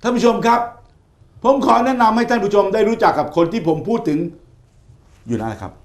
ท่านผู้ชมครับผมขอแนะนำให้ท่านผู้ชมได้รู้จักกับคนที่ผมพูดถึงอยู่นั่นแหละครับ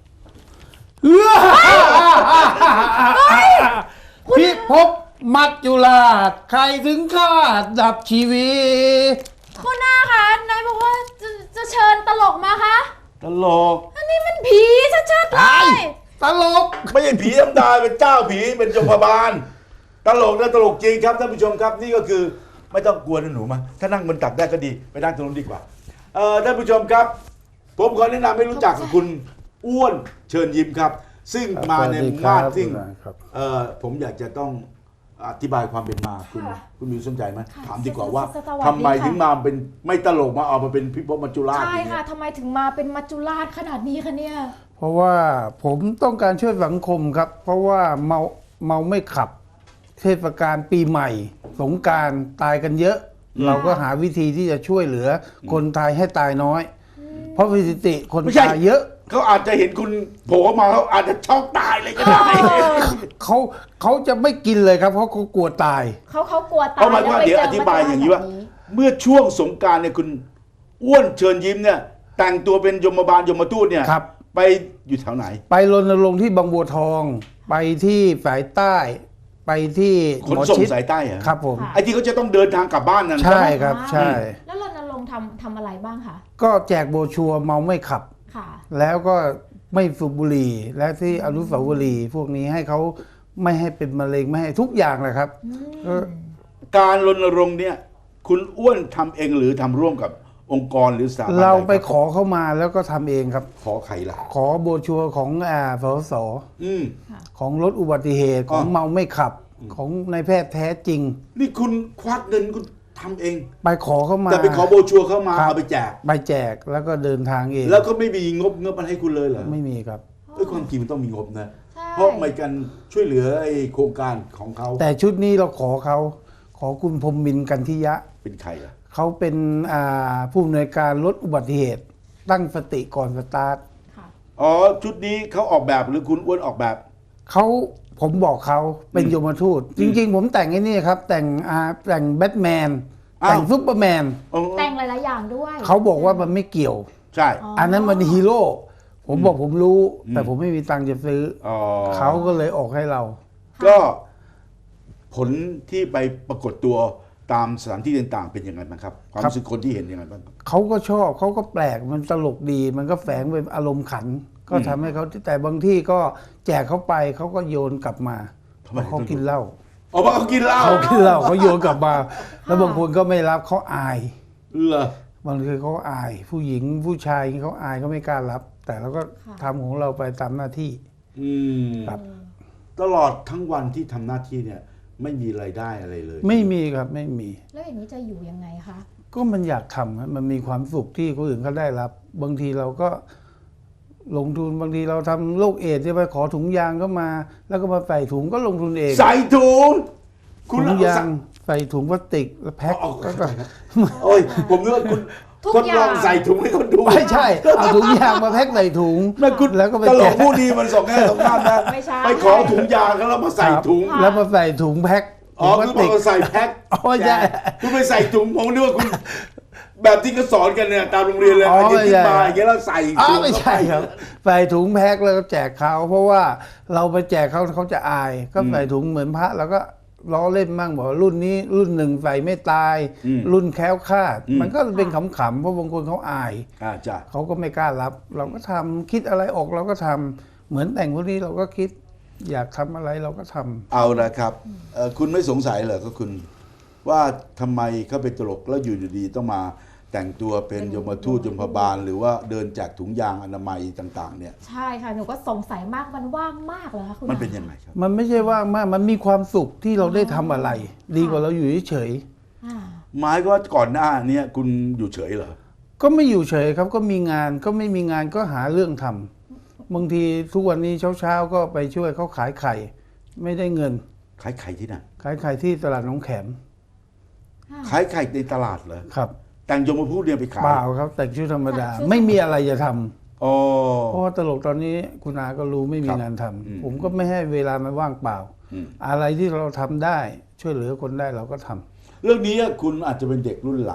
พิภพมัจจุราชใครถึงคาดดับชีวิตคุณหน้าคะนายบอกว่าจะเชิญตลกมาคะตลกอันนี้มันผีชัดๆเลยตลกไม่ใช่ผีธรรมดาเป็นเจ้าผีเป็นยมบาลตลกนะตลกจริงครับท่านผู้ชมครับนี่ก็คือไม่ต้องกลัวนะหนูมาถ้านั่งบนตักได้ก็ดีไปนั่งตรงนู้นดีกว่าท่านผู้ชมครับผมขอแนะนำให้รู้จักกับคุณอ้วนเชิญยิ้มครับซึ่งมาในมาดซึ่งผมอยากจะต้องอธิบายความเป็นมาคุณมีสนใจไหมถามดีกว่าว่าทำไมถึงมาเป็นไม่ตลกมาออกมาเป็นพิภพมัจจุราชใช่ค่ะทำไมถึงมาเป็นมัจจุราชขนาดนี้คะเนี่ยเพราะว่าผมต้องการช่วยสังคมครับเพราะว่าเมาไม่ขับเทศกาลปีใหม่สงกรานต์ตายกันเยอะเราก็หาวิธีที่จะช่วยเหลือคนตายให้ตายน้อยเพราะสถิติคนตายเยอะเขาอาจจะเห็นคุณโผล่มาเขาอาจจะช็อกตายเลยก็ได้เขาจะไม่กินเลยครับเพราะเขากลัวตายเขากลัวตายเพราะหมายว่าเดี๋ยวอธิบายอย่างนี้ว่าเมื่อช่วงสงกรานต์เนี่ยคุณอ้วนเชิญยิ้มเนี่ยแต่งตัวเป็นยมบาลยมทูตเนี่ยไปอยู่แถวไหนไปรณรงค์ที่บางบัวทองไปที่สายใต้ไปที่ขนส่งสายใต้เหรอครับผมไอ้ที่เขาจะต้องเดินทางกลับบ้านนั่นใช่ครับใช่แล้วรณรงค์ทำอะไรบ้างคะก็แจกโบชัวเมาไม่ขับแล้วก็ไม่สูบบุหรี่และที่อนุสาวรีย์พวกนี้ให้เขาไม่ให้เป็นมะเร็งไม่ให้ทุกอย่างเลยครับการรณรงค์เนี่ยคุณอ้วนทำเองหรือทำร่วมกับองค์กรหรือสถาบันเราไปขอเข้ามาแล้วก็ทำเองครับขอใครล่ะขอโบชัวของสสของลดอุบัติเหตุของเมาไม่ขับของนายแพทย์แท้จริงนี่คุณควักเงินคุณทำเองไปขอเข้ามาแต่ไปขอโบชัวเข้ามาเอาไปแจกแล้วก็เดินทางเองแล้วก็ไม่มีงบมันให้คุณเลยเหรอไม่มีครับความจริงมันต้องมีงบนะเพราะไม่กันช่วยเหลือไอ้โครงการของเขาแต่ชุดนี้เราขอคุณพรหมมินทร์กันทิยะเป็นใครอ่ะเขาเป็นผู้อำนวยการลดอุบัติเหตุตั้งสติก่อนสตาร์ทอ๋อชุดนี้เขาออกแบบหรือคุณอ้วนออกแบบผมบอกเขาเป็นยมทูตจริงๆผมแต่งไอ้นี่ครับแต่งแบทแมนแต่งซุปเปอร์แมนแต่งหลายๆอย่างด้วยเขาบอกว่ามันไม่เกี่ยวใช่อันนั้นมันฮีโร่ผมบอกผมรู้แต่ผมไม่มีตังค์จะซื้อเขาก็เลยออกให้เราก็ผลที่ไปปรากฏตัวตามสถานที่ต่างๆเป็นยังไงบ้างครับความรู้สึกคนที่เห็นยังไงบ้างเขาก็ชอบเขาก็แปลกมันตลกดีมันก็แฝงเป็นอารมณ์ขันก็ทำให้เขาแต่บางที่ก็แจกเขาไปเขาก็โยนกลับมาเขากินเหล้าเขากินเหล้าเขาโยนกลับมาแล้วบางคนก็ไม่รับเขาอายเหรอบางทีเขาอายผู้หญิงผู้ชายเขาอายเขาไม่กล้ารับแต่เราก็ทำของเราไปตามหน้าที่ครับตลอดทั้งวันที่ทำหน้าที่เนี่ยไม่มีรายได้อะไรเลยไม่มีครับไม่มีแล้วอย่างนี้จะอยู่ยังไงคะก็มันอยากทำมันมีความสุขที่คนอื่นเขาได้รับบางทีเราก็ลงทุนบางทีเราทำโรคเอดส์จะไปขอถุงยางก็มาแล้วก็มาใส่ถุงก็ลงทุนเองใส่ถุงถุงยางใส่ถุงพลาสติกแล้วแพ็คก็โอ้ยผมนึกว่าคุณทดลองใส่ถุงให้คนดูไม่ใช่เอาถุงยางมาแพ็คใส่ถุงแล้วก็ไปตลกผู้ดีมันสองแง่สองด้านนะไปขอถุงยางแล้วมาใส่ถุงแล้วมาใส่ถุงแพ็คคุณบอกว่าใส่แพ็คใช่คุณไปใส่ถุงผมนึกว่าคุณแบบที่เขาสอนกันเนี่ยตามโรงเรียนเลยอันนี้ที่มาอย่างเงี้ยแล้วใส่ถุงไม่ใช่ครับใส่ถุงแพ็คแล้วก็แจกเขาเพราะว่าเราไปแจกเขาจะอายก็ใส่ถุงเหมือนพระแล้วก็ล้อเล่นมั่งบอกรุ่นนี้รุ่นหนึ่งใส่ไม่ตายรุ่นแคล้วคลาดมันก็เป็นขำๆเพราะบางคนเขาอายเขาก็ไม่กล้ารับเราก็ทำคิดอะไรออกเราก็ทำเหมือนแต่งพวกนี้เราก็คิดอยากทำอะไรเราก็ทำเอาละครับคุณไม่สงสัยเหรอก็คุณว่าทำไมเขาเป็นตลกแล้วอยู่ดีๆต้องมาแต่งตัวเป็นยมทูตยมบาลหรือว่าเดินจากถุงยางอนามัยต่างๆเนี่ยใช่ค่ะหนูก็สงสัยมากมันว่างมากเลยค่ะคุณมันเป็นยังไงครับมันไม่ใช่ว่างมากมันมีความสุขที่เราได้ทำอะไรดีกว่าเราอยู่เฉยหมายก็ก่อนหน้านี้คุณอยู่เฉยเหรอก็ไม่อยู่เฉยครับก็มีงานก็ไม่มีงานก็หาเรื่องทำบางทีทุกวันนี้เช้าก็ไปช่วยเขาขายไข่ไม่ได้เงินขายไข่ที่ไหนขายไข่ที่ตลาดหนองแขมขายไข่ในตลาดเหรอครับแต่งยมทูตเนี่ยไปขายเปล่าครับแต่งชุดธรรมดาไม่มีอะไรจะทำเพราะว่าตลกตอนนี้คุณอาก็รู้ไม่มีงานทำผมก็ไม่ให้เวลามาว่างเปล่าอะไรที่เราทำได้ช่วยเหลือคนได้เราก็ทำเรื่องนี้คุณอาจจะเป็นเด็กรุ่นหลัง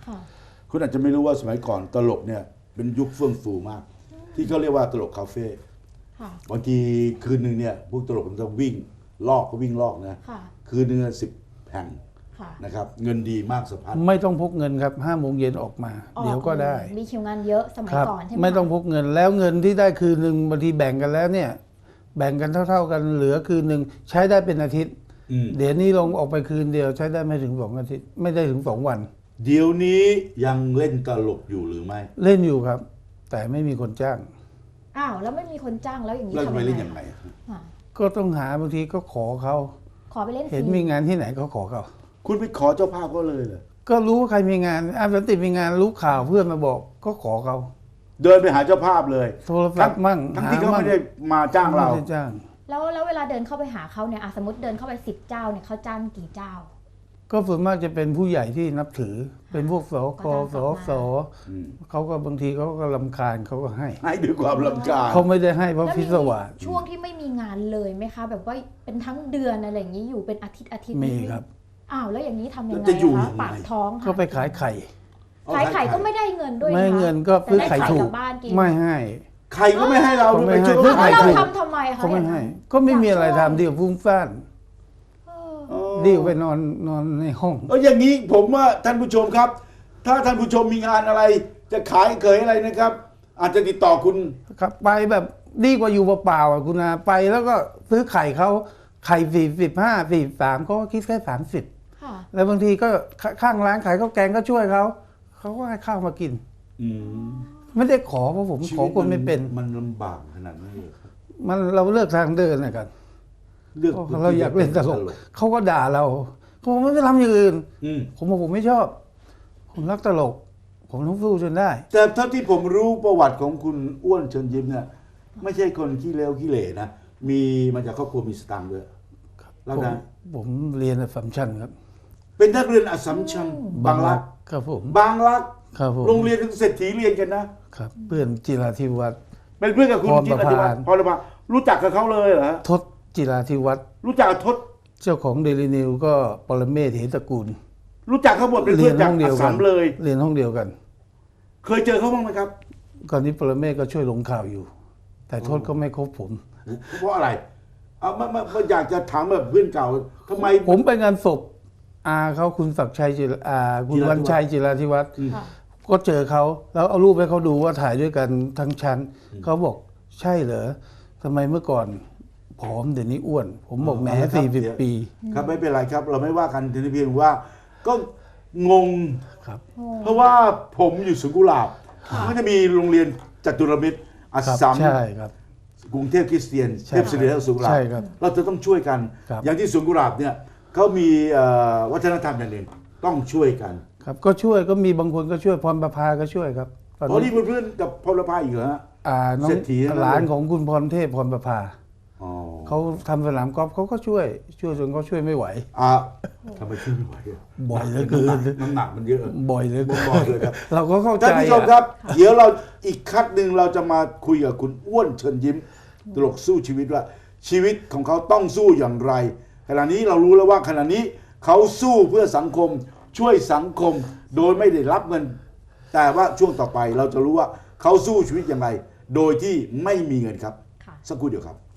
ค่ะคุณอาจจะไม่รู้ว่าสมัยก่อนตลกเนี่ยเป็นยุคเฟื่องฟูมาก ที่เขาเรียกว่าตลกคาเฟ่ค่ะบางทีคืนหนึ่งเนี่ยพวกตลกมันจะวิ่งลอกก็วิ่งลอกนะค่ะคืนหนึ่ง10 แห่งค่ะนะครับเงินดีมากสะพัดไม่ต้องพกเงินครับ5 โมงเย็นออกมา เดี๋ยวก็ได้มีคิวงานเยอะสมัยครับก่อนใช่ไหมไม่ต้องคะพกเงินแล้วเงินที่ได้คืนหนึ่งบางทีแบ่งกันแล้วเนี่ย แบ่งกันเท่าๆกันเหลือคืนหนึ่งใช้ได้เป็นอาทิตย์ เดี๋ยวนี้ลงออกไปคืนเดียวใช้ได้ไม่ถึง2 อาทิตย์ไม่ได้ถึง2 วันเดี๋ยวนี้ยังเล่นตลกอยู่หรือไม่เล่นอยู่ครับ แต่ไม่มีคนจ้างอ้าวแล้วไม่มีคนจ้างแล้วอย่างนี้เล่นทำไปยังเล่นไงยังไงอ่ะก็ต้องหาบางทีก็ขอเขาขอไปเล่นฟเห็นรีมีงานที่ไหนก็ขอเขาคุณไปขอเจ้าภาพก็เลยเหรอก็รู้ว่าใครมีงานอาสันติมีงานรู้ข่าวเพื่อนมาบอกก็ขอเขาเดินไปหาเจ้าภาพเลยโทรศัพท์มั่งทั้งที่เขาหไม่ได้มาจ้างเราไม่ได้จ้างแล้วเวลาเดินเข้าไปหาเขาเนี่ยสมมติเดินเข้าไป10 เจ้าเนี่ยเขาจ้างกี่เจ้าก็ส่วนมากจะเป็นผู้ใหญ่ที่นับถือ เป็นพวกสกก็สจ้างสเขาก็บางทีเขาก็รำคาญเขาก็ให้ให้ด้วยความรำคาญเขาไม่ได้ให้เพราะแล้วพิมีศวาสช่วงที่ไม่มีงานเลยไหมคะ แบบว่าเป็นทั้งเดือนอะไรอย่างนี้อยู่เป็นอาทิตย์มีครับอ้าวแล้วอย่างนี้ทำยังไงจะอยู่คะยังไงปากท้องค่ะก็ไปขายไข่ขายไข่ก็ไม่ได้เงินด้วยไม่นะคะเงินก็ซื้อไข่แต่ด้ถูกกลับบ้านกินไม่ให้ใครก็ไม่ให้เราเขาไม่ไปให้ช่วยไข่แล้วเราถูกทำทำไมคะเขาไม่ให้อย่างนั้นก็ไม่มีอะไรทำเดี๋ยวฟุ้งซ่านเออเออเดี๋ยวไปนอนในห้องอย่างนี้ผมว่าท่านผู้ชมครับ ถ้าท่านผู้ชมมีงานอะไร จะขายเขยอะไรนะครับ อาจจะติดต่อคุณครับไปแบบดีกว่าอยู่เปล่าๆอ่ะคุณอาไปแล้วก็ซื้อไข่เขาไข่45 43เขาก็คิดแค่30 ค่ะแล้วบางทีก็ข้างร้านขายข้าวแกงก็ช่วยเขาก็ให้ข้าวมากินอืมไม่ได้ขอเพราะผมขอคนไม่เป็นมันลำบากขนาดนั้นเลยครับมันเราเลือกทางเดินนะครับเลือกเราอยากเล่นตลกเขาก็ด่าเราเขาบอกไม่ไปทำอย่างอื่นอืมผมบอกผมไม่ชอบ ผมรักตลก ผมต้องสู้จนได้แต่เท่าที่ผมรู้ประวัติของคุณอ้วนเชิญยิ้มเนี่ยไม่ใช่คนขี้เลวขี้เหร่นะมีมาจากครอบครัวมีสตางค์ด้วยแล้วผมนะผมเรียนอัสสัมชัญครับเป็นนักเรียนอัสสัมชัญบางรักครับผมบางรักครับผมโรงเรียนเศรษฐีเรียนกันนะครับเพื่อนจิราธิวัฒน์เป็นเพื่อนกับคุณพรจิประรธิวัฒภาน์พรประภารู้จักกับเขาเลยเหรอฮะทศจิราธิวัฒน์รู้จักกับทศเจ้าของเดลินิวก็ปรเมศเหตระกูลรู้จักเขาหมดเป็นเพื่อนจากอัสสัมเลยเรียนห้องเดียวกันเคยเจอเขาบ้างไหมครับก่อนนี้ปรเมศก็ช่วยลงข่าวอยู่ แต่ทศก็ไม่คบผมเพราะอะไรเอามาอยากจะถามแบบเพื่อนเก่าทำไมผมไปงานศพอาเขาคุณศักดิ์ชัยคุณวันชัยจิราธิวัฒน์ค่ะก็เจอเขาแล้วเอารูปให้เขาดูว่าถ่ายด้วยกันทั้งชั้นเขาบอกใช่เหรอทำไมเมื่อก่อนผอมเดี๋ยวนี้อ้วน ผมบอกแหม40 ปีครับไม่เป็นไรครับ เราไม่ว่ากันทีนี้เพียงว่า ก็งงครับเพราะว่าผมอยู่สวนกุหลาบมันจะมีโรงเรียนจตุรมิตรอัสครับสัมใช่ครับกรุงเทพคริสเตียนใช่เทพศิริและสวนกุหลาบใช่ครับเราจะต้องช่วยกันครับอย่างที่สวนกุหลาบเนี่ยเขามีวัฒนธรรมอย่างหนึ่งต้องช่วยกันครับก็ช่วยก็มีบางคนก็ช่วยพรประภาก็ช่วยครับตอนอ๋อนี้นี่เพื่อนๆกับพลพายอีกเหรอฮะน้องเศรษฐีทั้งนั้นเลยหลานของคุณพรเทพพรประภาอ๋อเขาทำสนามกอล์ฟเขาก็ช่วยจนเขาช่วยไม่ไหวทำไมช่วยไม่ไหวอะบ่อยเหลือเกินน้ำหนักมันเยอะบ่อยเหลยบ่อยเลยครับเราก็เข้าใจท่านผู้ชมครับ เดี๋ยวเราอีกคัดหนึ่งเราจะมาคุยกับคุณอ้วนเชิญยิ้มตลกสู้ชีวิตว่า ชีวิตของเขาต้องสู้อย่างไรขณะนี้เรารู้แล้วว่าขณะนี้เขาสู้เพื่อสังคมช่วยสังคมโดยไม่ได้รับเงิน แต่ว่าช่วงต่อไปเราจะรู้ว่าเขาสู้ชีวิตอย่างไร โดยที่ไม่มีเงินครับค่ะสักครู่เดียวครับ